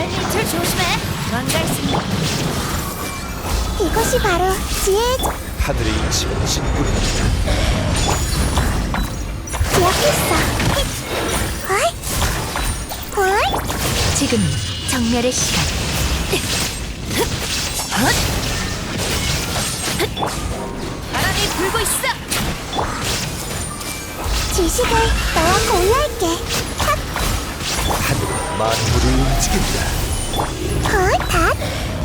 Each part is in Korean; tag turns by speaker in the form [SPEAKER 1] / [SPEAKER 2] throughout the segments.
[SPEAKER 1] 발밑을 조심해. 망갈 수.
[SPEAKER 2] 이것이 바로 지혜의
[SPEAKER 3] 하늘의 이치가 진군합니다.
[SPEAKER 2] 기억했어. 어이? 어이?
[SPEAKER 1] 지금이 정멸의 시간. 바람이 불고 있어.
[SPEAKER 2] 지식을 너와 공유할게.
[SPEAKER 3] 하늘은 만물을 움직인다.
[SPEAKER 2] 닷.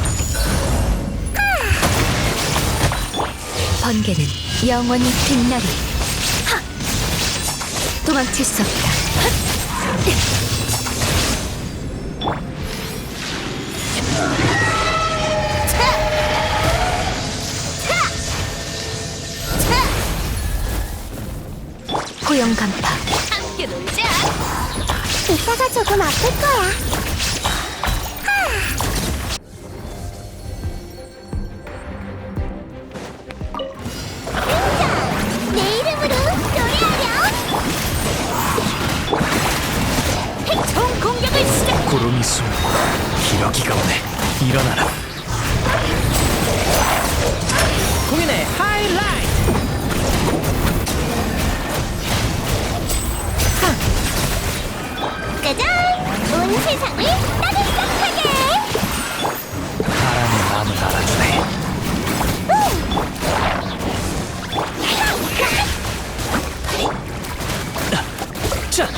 [SPEAKER 1] 번개는 영원히 빛나리. 하! 도망칠 수 없다. 고용 간파. 함께 놀자.
[SPEAKER 2] 이따가 조금 아플 거야. 내 이름으로 노래하렴.
[SPEAKER 1] 총 공격을 시작.
[SPEAKER 3] 구름이 숨고 기러기가 오네. 일어나라.
[SPEAKER 4] 공연의 하이라이트.
[SPEAKER 2] 짜잔! 온 세상을 따뜻하게.
[SPEAKER 3] 바람이 마음을 알아주네.
[SPEAKER 4] 자,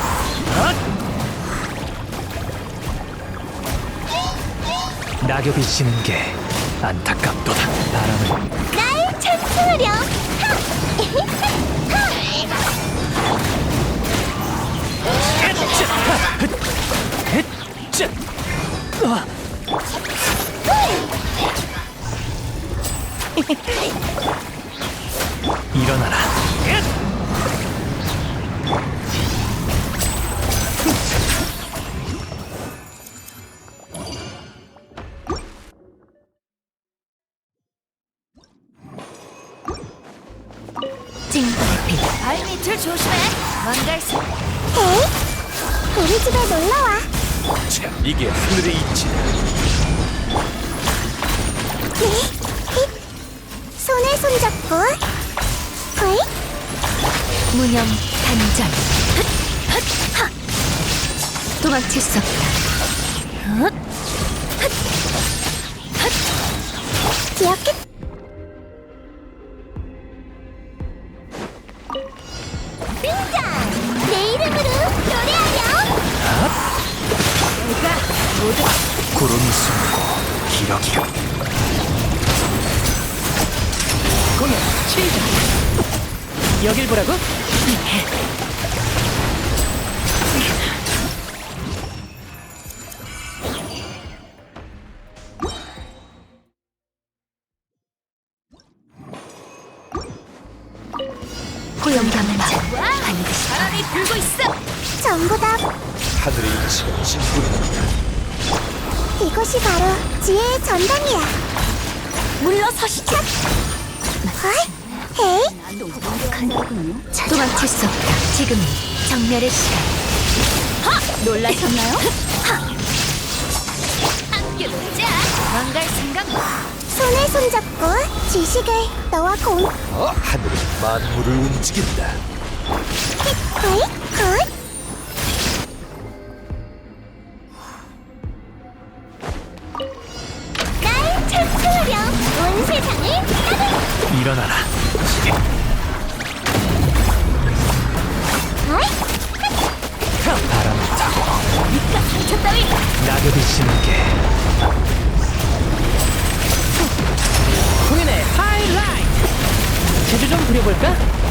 [SPEAKER 3] 낙엽이 지는 게 안타깝도다. 바람은
[SPEAKER 2] 날 찬송하렴.
[SPEAKER 4] 자,
[SPEAKER 3] 일어나라.
[SPEAKER 1] 징벌의 빛. 발밑을 조심해. 망갈 수.
[SPEAKER 2] 에이? 우리 집에 놀러와.
[SPEAKER 3] 자, 이게 하늘의 이치다.
[SPEAKER 2] 손에 손잡고. 어이?
[SPEAKER 1] 무념 단전. 도망칠 수 없다.
[SPEAKER 2] 기억해. 등장! 내 이름으로 노래하렴.
[SPEAKER 1] 내가 모두
[SPEAKER 3] 구름이 숨고 기러기가
[SPEAKER 4] 공연 시작. 여길 보라고?
[SPEAKER 1] 고용 간파. 반드시 바람이 불고 있어.
[SPEAKER 2] 전부 다
[SPEAKER 3] 하늘의 이치가 진군합니다.
[SPEAKER 2] 이것이 바로 지혜의 전당이야.
[SPEAKER 1] 물러서시죠.
[SPEAKER 2] 어이? 에이?
[SPEAKER 1] 도망칠 수 없다. 지금이 정멸의 시간. 놀라셨나요? 함께 놀자. 망갈 생각.
[SPEAKER 2] 손에 손잡고 지식을 너와 공.
[SPEAKER 3] 하늘은 만물을 움직인다.
[SPEAKER 2] 어이? 어이? 날 찬송하렴. 온 세상을 따뜻.
[SPEAKER 3] 일어나라.
[SPEAKER 2] 어이?
[SPEAKER 3] 바람을 타고
[SPEAKER 1] 니가 상처 따위.
[SPEAKER 3] 낙엽이 지는 게
[SPEAKER 4] 공연의 하이라이트. 제주 좀 부려볼까?